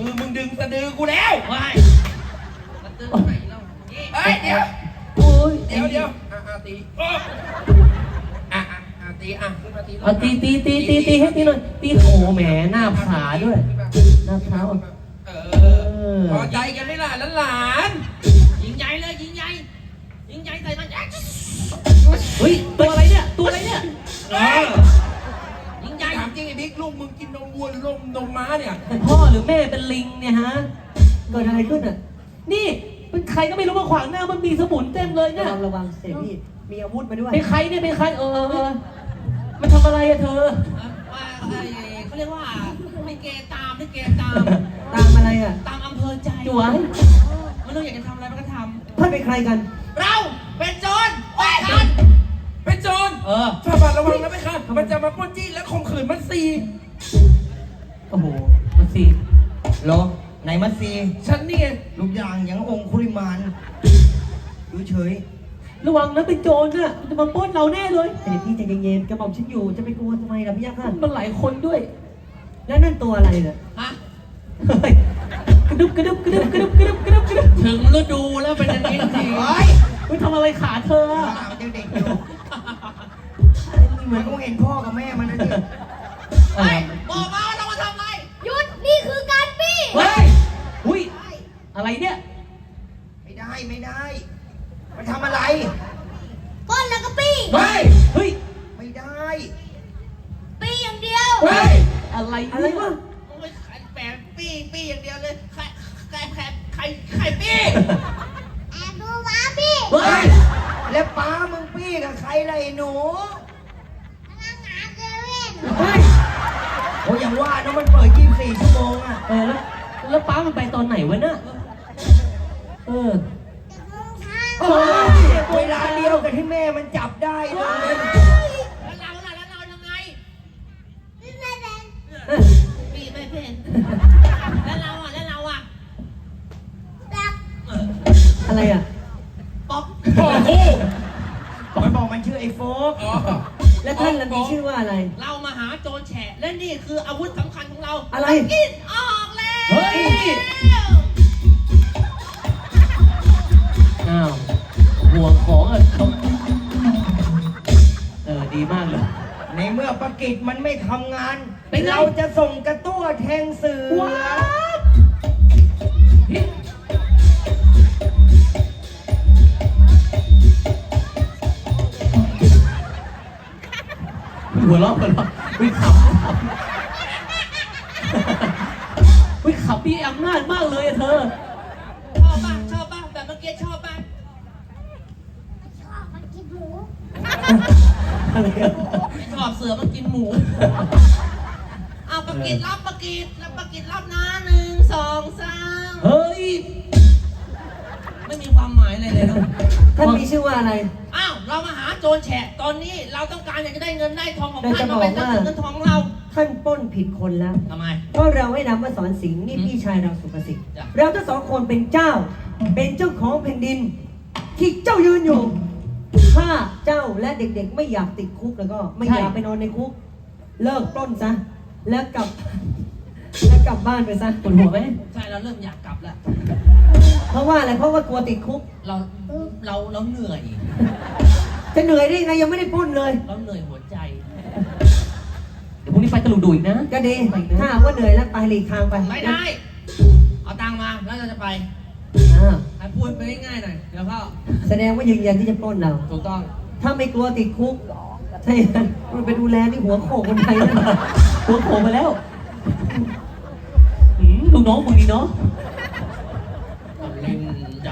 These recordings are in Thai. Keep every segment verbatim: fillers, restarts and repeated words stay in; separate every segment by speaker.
Speaker 1: อมึงดึงสะดือกูแล้วไม่สะดือไหนแล้วเอ้ยเดี๋ยวโอ้ยเดี๋ยวเดี๋ยวอ่ะอ่ะตีอ่ะอ่ะอ่ะตีอ่ะขึ้นมาตีเอาตีตีตีตีตีให้ตีหน่อยตีโอ้แหมหน้าผาด้วยหน้าผาเออพอใจกันไหมล่ะหลานยิงใหญ่เลยยิงใหญ่ยิงใหญ่ใส่มันเฮ้ยตัวอะไรเนี่ยตัวอะไรเนี่ยยิงใหญ่ถามจริงไอ้บิ๊กลูกมึงกินนมวัวหรือนมนมม้าเนี่ยพ่อหรือแม่เป็นลิงเนี่ยฮะเกิดอะไรขึ้นอ่ะนี่เป็นใครก็ไม่รู้มาขวางหน้ามันมีสมุนเต็มเลยเนี่ย
Speaker 2: ระวังเสียพี่มีอาวุธมาด้วย
Speaker 1: เป็นใครเนี่ยเป็นใครเออเออมันทำอะไรอะเธอเขาเรียกว่าลิเกตามลิเกตาม
Speaker 2: ตามอะไรอ่ะ
Speaker 1: ตามอำเภอใจจั่วมันต้องอยากจะทำอะไรมันก็ทำ
Speaker 2: ท่านเป็นใครกัน
Speaker 1: เราเป็นโจรไปกันเป็นโจรเออฝ่าบาทระวังนะไม่ค่ะมันจะมาปล้นจี้และข่มขืนมัดซี
Speaker 2: โอ้โหมัดซีเหรอไหนมัดซี
Speaker 1: ฉันนี่ไง
Speaker 2: ลูกอย่างอย่างองคุริมานดูเฉย
Speaker 1: ระวังนะเป็นโจรน่ะมันจะมาปล้นเราแน่เลย
Speaker 2: แต่พี่ใจเย็นๆกระบอกฉันอยู่จะไปกลัวทำไมล่ะพี่ยักษ์
Speaker 1: มันหลายคนด้วย
Speaker 2: แล้วนั่นตัวอะไรเนี่ย
Speaker 1: ฮะกระดึบกระดึบกระดึบกระดึบกระดึบกระดึบกระดึบถึงฤดูแล้วเป็นอย่างนี้จริงเฮ้ยไปทำอะไรขาเธอ
Speaker 2: อ่ะเด็กๆอยู่เหมือนกูเห็นพ่อกับแม่มันนะดิ
Speaker 1: เฮ้ยบอกมาว่าเรามาทำอะไร
Speaker 3: หยุดนี่คือการปี้
Speaker 1: เฮ้ยอุ้ยอะไรเนี่ย
Speaker 2: ไม่ได้ไม่ได้มันทำอะไร
Speaker 3: ก้นแล้วก็ปี้
Speaker 1: เฮ้ยเฮ้ย
Speaker 2: ไม่ได้
Speaker 3: ปี้อย่างเดียว
Speaker 1: เฮ้ยอะไร
Speaker 2: อะไรวะ
Speaker 1: ไม่ขายแปะปี้ปี้อย่างเดียวเลยใครใครใครใครใครปี้
Speaker 3: แอบดูม้าปี้
Speaker 1: เฮ้ย
Speaker 2: แล้วป้ามึงปี้กับใครล่ะไอ้หนู
Speaker 3: พนักงานเซเว่น
Speaker 2: เฮ้ยโอ้ยังว่านะมันเปิดยี่สิบสี่ชั่วโมงอ่ะ
Speaker 1: เออแล้วแล้วป้ามันไปตอนไหนวะเนี่ยเออ
Speaker 2: โอ้ยเวลาเดียวกับที่แม่มันจับได้เลย
Speaker 1: แล้วเราล่ะแล้วเรายังไง
Speaker 3: พี่ไม่เป็น
Speaker 1: พี่ไม่เป็นแล้วเราอ่ะแล้วเราอ่ะ
Speaker 3: ตัก
Speaker 2: อะไรอ่ะ
Speaker 1: ป๊อกป๊อก
Speaker 2: คู่มันบอกมันชื่อไอ้โฟกแล้วท่านล่ะมีชื่อว่าอะไร
Speaker 1: เรามาหาโจรแฉะและนี่คืออาวุธสำคัญของเรา
Speaker 2: อะไร
Speaker 1: กินออกแล้ว
Speaker 2: เฮ้ย
Speaker 1: อ้าวห่วงของอ่ะเขาเออดีมากเลย
Speaker 2: ในเมื่อปากิจมันไม่ทำงานเราจะส่งกระตั้วแทงเสือ
Speaker 1: หัวเราะหัวเราะวิ่งขับวิ่งขับพี่อำนาจมากเลยเธอชอบป่ะชอบป่ะแบบเมื่อกี้ชอบป่ะ
Speaker 3: ชอบมันกินหมู
Speaker 1: ไม่ชอบเสือมันกินหมูเอาปากิจรับปากิจแล้วปากิจรับนะหนึ่งสองสามเฮ้ยไม่มีความหมายอะไรเลยเนาะ
Speaker 2: ท่านมีชื่อว่าอะไร
Speaker 1: อ้าวเรามาหาโจรแฉะตอนนี้เราต้องการอยากจะได้เงินได้ทองของท่านมาเป็นเงินทองเรา
Speaker 2: ท่านปล้นผิดคนแล้ว
Speaker 1: ทำไม
Speaker 2: เพราะเราให้นามว่าสอนสิงห์นี่พี่ชายเราสุภสิทธิ์เราทั้งสองคนเป็นเจ้าเป็นเจ้าของแผ่นดินที่เจ้ายืนอยู่ถ้าเจ้าและเด็กๆไม่อยากติดคุกแล้วก็ไม่อยากไปนอนในคุกเลิกปล้นซะแล้วกลับแล้วกลับบ้านไปซะปวดหัวไหม
Speaker 1: ใช่เราเริ่มอยากกลับแล้ว
Speaker 2: เพราะว่าอะไรเพราะว่ากลัวติดคุก
Speaker 1: เราเราเราเหนื่อย
Speaker 2: จะเหนื่อยได้ไงยังไม่ได้ปล้นเลย
Speaker 1: เราเหนื่อยหัวใจเดี๋ยวพรุ่งนี้ไปตะลุงดูอีกนะ
Speaker 2: ก็ดีถ้าว่าเหนื่อยแล้วไปหลีกทางไป
Speaker 1: ไม่ได้เอาตังมาแล้วเราจะไปให้พูดไปง่ายๆหน่อยเดี๋ยวก็
Speaker 2: แสดงว่ายืนยันที่จะปล้นเรา
Speaker 1: ถูกต้อง
Speaker 2: ถ้าไม่กลัวติดคุกใช่มันไปดูแลที่หัวโขกคนไทย
Speaker 1: หัวโขกไปแล้วลูกน้องมึงนี่เนาะเล่นจัง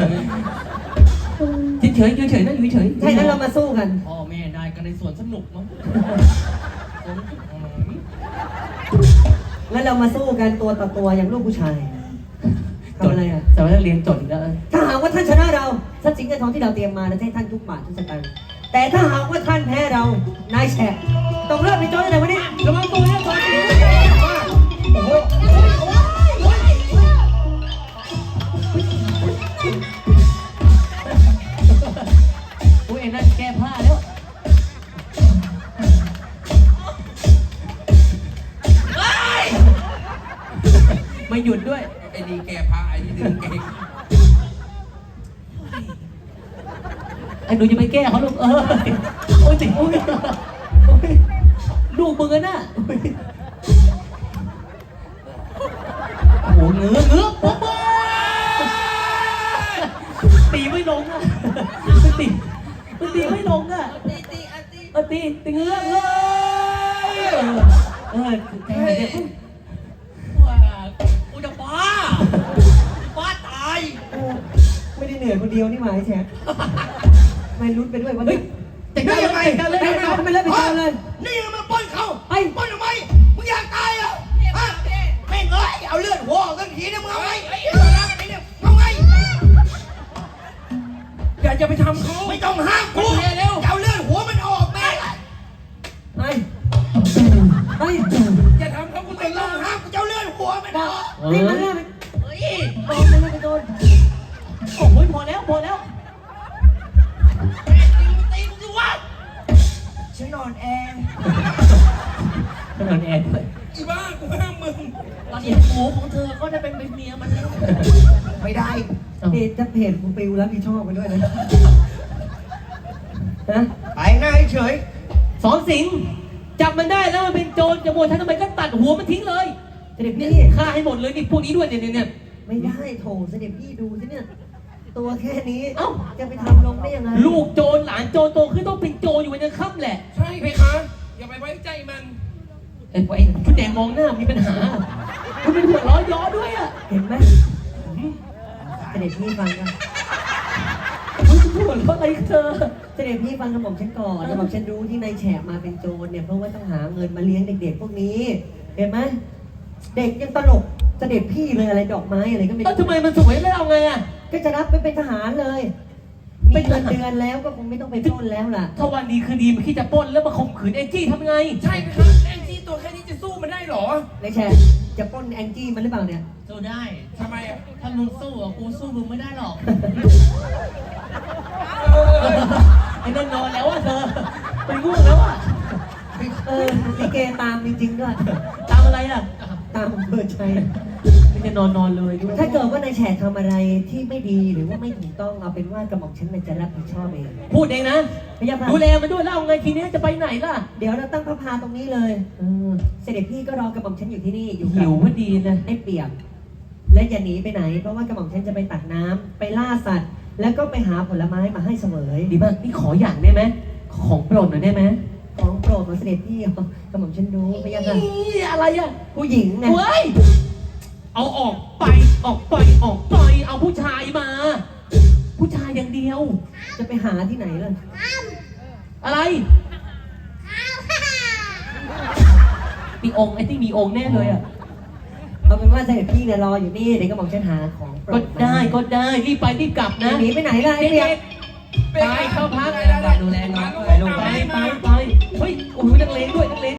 Speaker 1: เฉยๆเฉยๆนั่งอยู่เฉย
Speaker 2: ใช่แล้วเรามาสู้กัน
Speaker 1: พ่อแม่ได้กันในสวนสนุกมั้ง
Speaker 2: แล้วเรามาสู้กันตัวต่อตัวอย่างลูกผู้ชายทำอะไรอ่ะ
Speaker 1: แต่ว่าเรียนจบแล้ว
Speaker 2: ถ้าหากว่าท่านชนะเราทรัพย์สินเงินทองที่เราเตรียมมาจะให้ท่านทุกบาททุกสตางค์แต่ถ้าหากว่าท่านแพ้เรานายแฉะต้องเริ่มเป็นโจรในวันนี้ระวังตัวนะตอนนี้โอ้โห
Speaker 1: โอ้ยนั่นแก้ผ้าแล้วไม่ไม่หยุดด้วย
Speaker 4: ไอ้นี่แกพาไอ้นี่ดึงเก่ง
Speaker 1: ไอ้หนูจะไปแก้เขาลูกเออโอ้ยติโอ้ยโอ้ยลูกมึงอะน่ะโอ้โหเงื้อเงื้อปุ๊บตีไม่ลงอ่ะมันตีมันตีไม่ลงอ่ะตีตีอ่ะตีเออตีตีเงื้อเงื้อเออแทงเนี่ยว้ากูจะบ้าบ้าตาย
Speaker 2: เออไม่ได้เหนื่อยคนเดียวนี่หมายแฉกไม่ลุ้นไปด้วยวัน
Speaker 1: เฮ้ย
Speaker 2: นี้
Speaker 1: แต่ได้ยังไงกันเลย
Speaker 2: ไปเอาไปเลยไปเอาเลย
Speaker 4: นี่มันปล้นเขา
Speaker 2: ไอ้
Speaker 4: ปล้นทำไมมึงอยากตายเหรอฮะแม่งเอ้ยเอาเลือดหัวออกกันทีนึงมึงเอาไงไอ้เรื่องอะไรเนี่ยเอาไงอย่าจะไปทำเขาไม่ต้องห้ามกูเร็วเอาเลือดหัวมันออกแม่ง
Speaker 2: ไอ้ไอ้
Speaker 4: อย่าทำเขากูไม่ต้องห้ามกูจะเอาเลือดหัวมันออก
Speaker 2: นี่มันเล่น
Speaker 1: เฮ้ย
Speaker 2: โดนมันเล่นไปโดน
Speaker 1: โอ้ยพอแล้วพอแล้วแม่ตีมึงตีมึงสิวะ
Speaker 4: ฉันนอนแอร์
Speaker 1: ขนาดแอนด้วย
Speaker 4: อีบ้ากูห้ามมึง
Speaker 1: ตอนนี้หมูของเธอก็ได้เป็นเมียมันแล้ว
Speaker 4: ไม่ได้
Speaker 2: เพจจะเพจกูปิวแล้วพี่ชอบไปด้วยนะฮะ
Speaker 4: ไปหน้าเฉย
Speaker 1: สอนสิงห์จับมันได้แล้วมันเป็นโจรจะโมยฉันทำไมก็ตัดหัวมันทิ้งเลย
Speaker 2: เสด็จ
Speaker 1: เนี่
Speaker 2: พี่
Speaker 1: ยฆ่าให้หมดเลยนี่พวกนี้ด้วยเนี่ยเนี่ยเนี่ย
Speaker 2: ไม่ได้โถเสด็จพี่ดูสิเนี่ยตัวแค่นี้
Speaker 1: เอ้า
Speaker 2: จะไปทำลงได้ยังไง
Speaker 1: ลูกโจรหลานโจรโตขึ้นต้องเป็นโจรอยู่วันยังค่ำแหละ
Speaker 4: ใช่ไหมคะอย่าไปไว้ใจมัน
Speaker 1: ไอ้ไอ้ชุดแดงมองหน้ามีปัญหาคุณเป็นหัวล้อย้อด้วยอ่ะ
Speaker 2: เห็นไหมเสด็จพี่ฟังกัน
Speaker 1: คุณหัวล้ออะไรเธอ
Speaker 2: เสด็จพี่ฟังกระหม่อมฉันก่อนกระหม่อมฉันรู้ที่นายแฉกมาเป็นโจรเนี่ยเพราะว่าต้องหาเงินมาเลี้ยงเด็กๆพวกนี้ เห็นไหมเด็กยังตลกเสด็จพี่เลยอะไรดอกไม้อะไรก็ไม่
Speaker 1: แล้ว
Speaker 2: รู้
Speaker 1: ทำไมมันสวยแล้วเอาไงอ่ะ
Speaker 2: ก็จะรับไปเป็นทหารเลยมีเงินเดือนแล้วก็คงไม่ต้องไปปล้นแล้วล่ะ
Speaker 1: ถ้าวันดีคืนดีมันคิดจะปล้นแล้วมาข่มขืนแองจี้ทำไง
Speaker 4: ใช่ไหมคะแองจี้ตัวแค่นี้จะสู้มันได้เหรอ
Speaker 2: นายแฉกจะปล้นแองจี้มันหรือเปล่าเนี่ย
Speaker 1: สู้ได้
Speaker 4: ทำไมอ่ะ
Speaker 1: ถ้ามึงสู้อ่ะกูสู้มึงไม่ได้หรอก ไอ้นั่นนอนแล้วอ่ะเธอไปง่วงแล้วอ่ะ
Speaker 2: เออลิเกตามจริงๆด้วย
Speaker 1: ตามอะไรอ่ะ
Speaker 2: ตามอำเภอชัย
Speaker 1: ไม่จะนอนนอนเลยด้วย
Speaker 2: ถ้าเกิดว่านายแฉกทำอะไรที่ไม่ดีหรือว่าไม่ถูกต้องเอาเป็นว่ากระหม่อมฉันน่ะจะรับผิดชอบเอง
Speaker 1: พูดเองนะ
Speaker 2: พยาบาล
Speaker 1: ดูแลมันด้วยแล้วเอาไงทีนี้จะไปไหนล่ะ
Speaker 2: เดี๋ยวเราตั้งพระพาตรงนี้เลยเออเสด็จพี่ก็รอกระหม่อมฉันอยู่ที่นี่อยู่กั
Speaker 1: หิวพอดีนะ
Speaker 2: ไอ้เปียกและอย่าหนีไปไหน เพราะว่ากระหม่อมฉันจะไปตักน้ำไปล่าสัตว์ แล้วก็ไปหาผลไม้มาให้เสมอ
Speaker 1: ดีมากนี่ขออย่างได้ไหมของโปรดหน่อยได้ไหม
Speaker 2: ของโปรดของเสด็จพี่กระหม่อมฉันรู้พยาค่ะ
Speaker 1: นี่อะไรอ่ะ
Speaker 2: ผู้หญิงไง
Speaker 1: เว้ยเอาออกไปออกไปออกไปเอาผู้ชายมา ผู้ชายอย่างเดียว
Speaker 2: จะไปหาที่ไหนล่ะ
Speaker 1: อะไร
Speaker 3: ข้าว
Speaker 1: มีองค์ไอ้ที่มีองค์แน่เลยอ่ะ
Speaker 2: เอาเป็นว่าเสด็จพี่เนี่ยรออยู่นี่เดี๋ยวกระหม่อมฉันหาของโปร
Speaker 1: ก็
Speaker 2: ดมา
Speaker 1: ได้ก็ได้รีบไปรีบกลับนะ
Speaker 2: หนีไปไหนล่ะไอ้เปียก
Speaker 1: ไปเข้าพัก
Speaker 4: ได้ได้ได้
Speaker 1: ดูแลน้อง
Speaker 4: ไป
Speaker 1: ไป
Speaker 4: ลูก
Speaker 1: ไป
Speaker 4: ไป
Speaker 1: ไปไปเฮ้ยโอ้โหนักเลงด้วยนักเลง